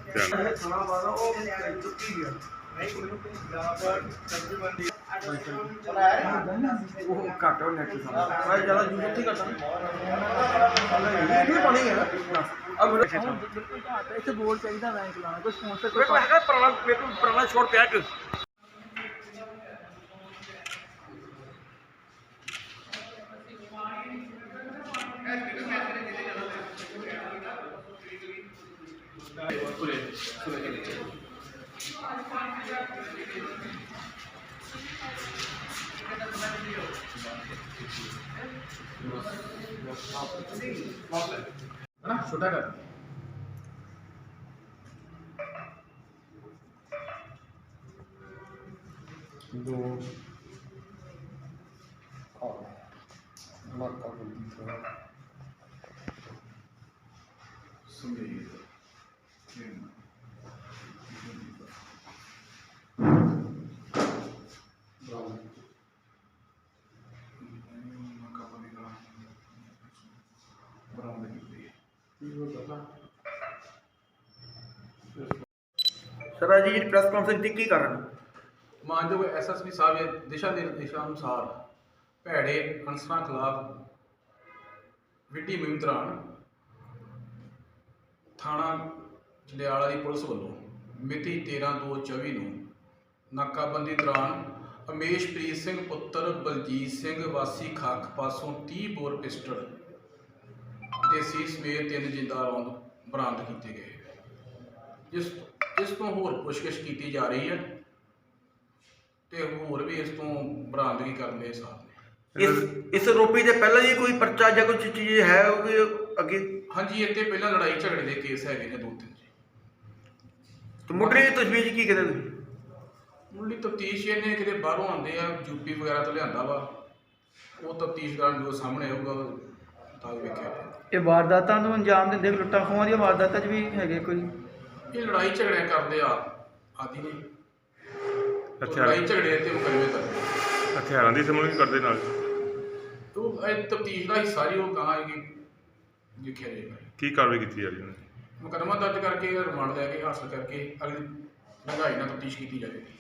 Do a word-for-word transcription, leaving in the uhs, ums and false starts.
ਘੱਟ ਹੋ ਨੈਟ ਸਾਰਾ ਜ਼ਿਆਦਾ ਯੂਜ਼ ਉੱਥੇ ਘੱਟ ਇਹ ਪਾਣੀ ਹੈ ਅਬ ਇੱਥੇ ਬੋਰਡ ਚਾਹੀਦਾ ਮੈਂ ਚਲਾਣਾ ਕੋਈ ਸਪਾਂਸਰ ਕੋਈ ਹੈਗਾ ਪੁਰਾਣਾ ਮੇਰੇ ਕੋਲ ਪੁਰਾਣਾ ਸ਼ਾਟ ਪਿਆ ਇੱਕ छोटा कर दो मक्का बंदी थोड़ा सुमेर सर आज जी प्रेस कॉन्फ्रेंस की कारण मानयोग एस एस पी साहब के दिशा निर्देशों अनुसार भैड़े अनसर खिलाफ विड्डी मुहिम दौरान थाना जंडियाला की पुलिस वालों मिति तेरह दो चौबी नूं नाकाबंदी दौरान अमेशप्रीत सिंह पुत्र बलजीत सिंह वासी खख पासों तीह बोर पिस्टल देसी समेत तीन जिंदा रौंद बरामद किए गए जिस इस तो होर पुछगिछ की जा रही है तो होर भी इस तो बरामदगी करने के साथ ने इस इस आरोपी से पहले जी कोई पर्चा या कुछ चीज़ है अगे हाँ जी इतने पहला लड़ाई झगड़े के केस है दो तीन जी तो मुढ़ली तजवीज़ की कहते मुढ़ली तफ्तीश इन्हें कि बाहरों आते हैं यूपी वगैरह तो लिया वा वो तफ्तीश दौरान जो सामने आऊगा तो वेख्या ये वारदातां नूं अंजाम दिंदे लुट्टां खोहां दी वारदातां च भी है कोई ये लड़ाई झगड़े करते आ आदि ने लड़ाई झगड़े ते मुकदमे करते हथियारों की समूह करते नाल तो तफ्तीश का हिस्सा ही वो कहाँ है कि लिखा जाएगा की कार्रवाई की जा रही है मुकदमा दर्ज करके रिमांड लैके हासिल करके अगली महंगाई तफ्तीश की जाएगी।